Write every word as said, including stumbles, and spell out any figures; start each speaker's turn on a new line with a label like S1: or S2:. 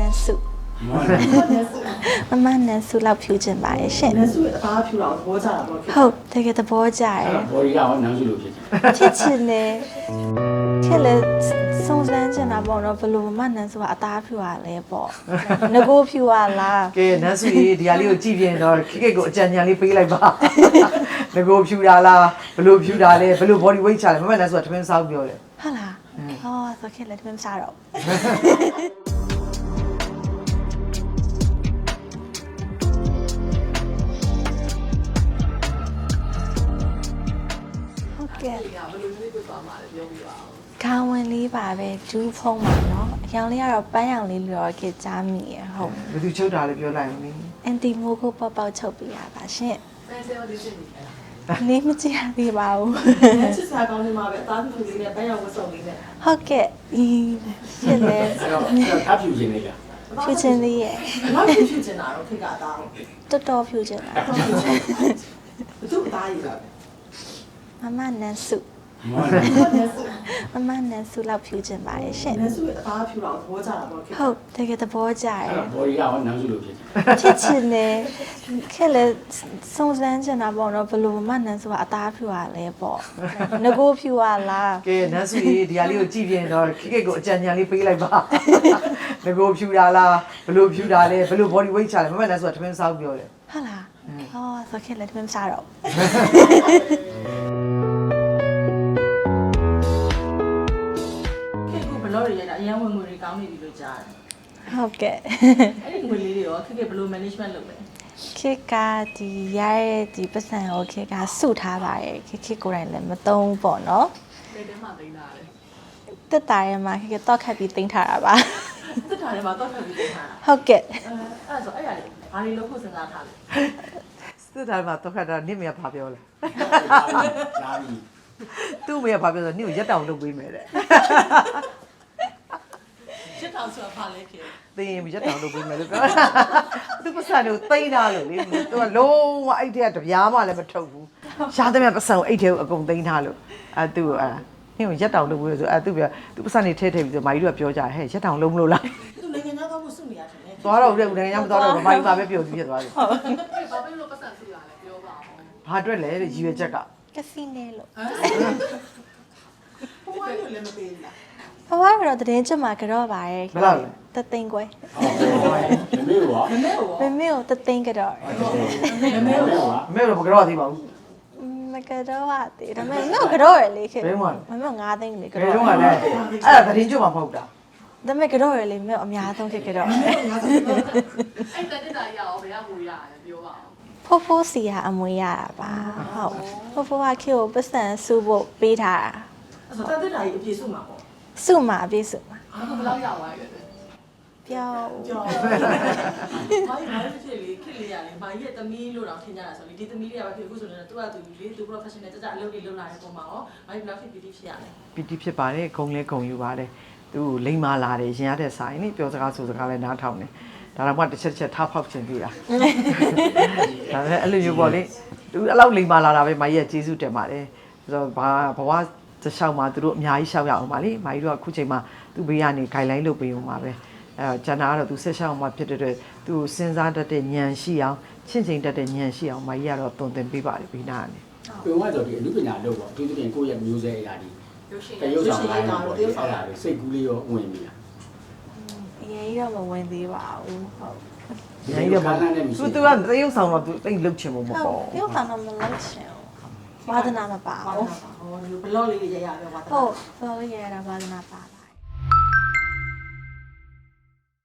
S1: န်စုမမနန်စုလောက်ဖြူချင်ပါရဲ့ရှင်
S2: နန်စုရဲ့အသားဖြူတာကိုသဘောကျတာပေါ့
S1: ဟုတ်တကယ်သဘောကျတယ်
S3: ဘော်ဒီကရောနန်စုလို့ဖြစ်ချင်
S1: ဖြစ်ချင်တယ်ခဲ့လေစုံစမ်းချင်တာပေါ့နော်ဘလို့မနန်စုကအသားဖြူရလဲပေါ့ငကိုဖြူရလား
S4: ကဲနန်းစုကြီးဒီဟာလေးကိုကြည့်ပြရင်တော့ခိကိတ်ကိုအကြံဉာဏ်လေးပေးလိုက်ပါငကိုဖြူတာလားဘလို့ဖြူတာလဲဘလို့ body weight ချလဲမမနန်းစုကထမင်းစားပြောတယ်
S1: ဟုတ်လားဟောဆိုခဲ့လေထမင်းစားတော့ကဲဘယ်လိုမျိုးပြသွားမှာလဲပြောပြပါဦးခေါင်းဝင်လေးပါပဲဒူးဖုံးပါနော်အရောင်လေးကတော့ပန်းရောင်လေးလောကကြားမိရဟုတ်
S4: ဘယ်သူချုပ်တာလဲပြောလိုက်ဦးလေ
S1: အန်တီမိုကိုပေါက်ပေါက်ချုပ်ပြရပါရှင်
S2: ဆယ်ဆယ်ဝဒီစစ်နေ
S1: နေမကြည့်ရသေးပါဘူး
S2: ချစ်စားကောင်းနေမှာပဲအသားဖြူလေးနဲ့ပန်းရောင်ဝတ်စုံလေးနဲ့
S1: ဟုတ်ကဲ့ဒီဖြစ်လေ
S3: အဲ့တော့ထားဖြူခြင်းလေးက
S1: ဖြူခြင်းလေးရဲ့
S2: ဘာဖြူဖြူချင်တာတော့ခိကအသား
S1: တော်တော်ဖြူခြင်းတာ
S2: ဘသူအသားရည်ပါ
S1: မမနန်စုမမနန်စုလောက်ဖြူချင်ပါရဲ့ရှင်
S2: နန်စုရဲ့အသားဖြူတာကိုသဘောကျတာပေါ့
S1: ဟုတ်တကယ်သဘောကျတယ်
S3: ဘော်ဒီကရောနန်စုလို့ဖြစ်ချင်
S1: ဖြစ်ချင်တယ်ခဲ့လေစုံစမ်းချင်တာပေါ့နော်ဘလို့မနန်စုကအသားဖြူရလဲပေါ့ငကိုဖြူရလား
S4: ကဲနန်းစုကြီးဒီဟာလေးကိုကြည့်ပြရင်တော့ခိကိတ်ကိုအကြံဉာဏ်လေးပေးလိုက်ပါငကိုဖြူတာလားဘလို့ဖြူတာလဲဘလို့ body weight ချလဲမမနန်းစုကထမင်းစားပြောတယ်
S1: ဟုတ်လားဟောဆိုခဲ့လေထမင်းစားတော့
S2: ဘလော့ရရအရန်ဝင်ငွေတွေကောင်းနေပြီလို့ကြားတယ်
S1: ဟုတ်ကဲ့
S2: အဲ့ဒီငွေလေးတွေရောခက်ခဲဘလို့ management လုပ်လဲ
S1: ခေတ်ကဒီရရဲ့ဒီပတ်စံကိုခေတ်ကစုထားပါတယ်ခေတ်ခေတ်ကိုယ်တိုင်လည်းမသုံးပေါ့နော်
S2: ဘယ်ထဲမှာသိမ်းတာလဲ
S1: တက်တာရဲမှာခေတ်ကတော့ခတ်ပြီးတင်ထားတာပါ
S2: တက်တာရဲမှာတော့ခတ်ပြီးတင်ထားတာ
S1: ဟုတ်ကဲ့
S2: အဲ့ဒါဆိုအဲ့ရလေဘာလို့လို့ဖို့စဉ်းစားထားလဲ
S4: တက်တာမှာတော့ခတ်တာနင့်မရဘာပြောလဲ
S3: ရှားပြီ
S4: သူ့မရဘာပြောဆိုနင့်ကိုရက်တောင်လုပ်ပေးမယ်တဲ့
S2: ချက်တောင်ဆိုတာဘာလဲခင်
S4: သိရင်ရက်တောင်လုပ်ပေးမယ်လို့ပြောသူပတ်စံကိုသိမ်းထားလို့လေသူကလုံးဝအဲ့တဲ့ကတပြားမှလည်းမထုတ်ဘူးရှားတဲ့ပတ်စံကိုအဲ့တဲ့ကိုအကုန်သိမ်းထားလို့အဲသူ့အဲ့နင့်ကိုရက်တောင်လုပ်ပေးဆိုအဲသူပြောသူပတ်စံနေထဲထဲပြီးဆိုမာကြီးတို့ကပြောကြဟဲ့ရက်တောင်လုံးမလို့လား
S2: သူနိုင်ငံသားတော့မစုနေရတယ်
S4: သွားတော့ဦးတဲ့နိုင်ငံမသွားတော့မာကြီးပါပဲပြောပြီးဖြစ်သွားတယ်
S2: ဟုတ်ဘာဖြစ်လို့ပတ်စံစုရလဲပြောပါဦး
S4: ဘာအတွက်လဲရည်ရွယ်ချက်က
S1: ကစီနိုလို့
S2: ဘဝလို့လည်းမပေးဘူးလား
S1: ဘဝကတော့တည်င်းချက်မှာကြော့ပါရဲ့
S4: ဘယ်လောက်လဲ
S1: တသိန်းခွဲ
S3: မမေရော
S2: မမေရော
S1: မမေကိုတသိန်းကြော့
S2: မမေရော
S4: မမေတော့မကြော့သေးပါဘူး
S1: မကြော့ပါသေးဒါပေမဲ့တော့ကြော့ရလေခေမမေငါးသိန်းလေကြော့
S4: ဘယ်တော့မှလည်းအဲ့ဒါတည်င်းချက်မှာမဟုတ်တာ
S1: ဒါပေမဲ့ကြော့ရလေမေအများဆုံးခေကြော့
S2: အဲ့တက်တက်တာရအောင်ဘယ်ကငွေရလဲပြောပါ
S1: ဦးဖိုးဖိုးစီကအမွေရတာပါဟုတ်ဖိုးဖိုးကခေကိုပတ်စံစုဖို့ပေးထားတာ
S2: အဲ့ဆိုတက်တက်တာကြီးအပြည့်စုမှာပေါ့
S1: စုမှာအပြည့်စုမှာ
S2: ဘယ်လောက်ရသွားရလဲ
S1: ပြောင်း
S2: ပြောင်းဘာလို့ဘာလို့ဖြစ်လေခက်လေရလဲဘာကြီးရဲ့သမီးလို့တော့ထင်ကြတာဆိုလေဒီသမီးတွေကဘာဖြစ်အခုဆိုတော့သူကသူလေသူ professional ကြကြအလုပ်တွေလုပ်လာတဲ့ပုံမှာရောဘာလို့ဘယ်လောက်ဖြစ်ပီတိဖြစ်ရလဲ
S4: ပီတိဖြစ်ပါတယ်ဂုံလဲဂုံယူပါတယ်သူလိမ္မာလာတယ်ရင်ရတဲ့ဆိုင်နိပြောစကားဆိုစကားလဲနားထောင်တယ်ဒါတော့မှတစ်ချက်တစ်ချက်ထားဖောက်ချင်သေးတာဒါလည်းအဲ့လိုမျိုးပေါ့လေသူအဲ့လောက်လိမ္မာလာတာပဲမကြီးကကျေးဇူးတင်ပါတယ်ဆိုတော့ဘာဘဝတခြားမှာသူတို့အများကြီးရှောက်ရအောင်ပါလေမကြီးတို့ကအခုချိန်မှာသူ့ဘေးကနေ guideline လုပ်ပေးအောင်ပါပဲအဲတော့ကျန်တာကတော့သူဆက်ရှောက်အောင်ဖြစ်တဲ့အတွက်သူစဉ်းစားတတ်တဲ့ဉာဏ်ရှိအောင်ချင့်ချိန်တတ်တဲ့ဉာဏ်ရှိအောင်မကြီးကတော့တုံသင်ပေးပါတယ်ဘေးနာကနေ
S3: ပြောရတော့ဒီအမှုပညာလုပ်ပေါ့သူတို့ပြင်ကိုယ့်ရဲ့မျိုးစဲအရာဒီတရုပ်ဆောင်လိုက်တာပေါ့အဲ့ဒါတွေစိတ်ကူးလေးရောဝင်ပြီလား
S1: အရင်ရောမဝင်သေးပါဘူးဟုတ်
S4: ရိုင်းရပါသူသူကတရုပ်ဆောင်တော့သူတိတ်လှုပ်ချင်မှာမပေါ့
S1: တရုပ်ဆောင်တော့မလှုပ်ချင်ဘူးဝါဒနာမပါဘူး
S2: ဟောဒီဘလော့လေးရရပြောပါ
S1: ဟုတ်ဘလော့လေးရရတာဝါဒနာပါ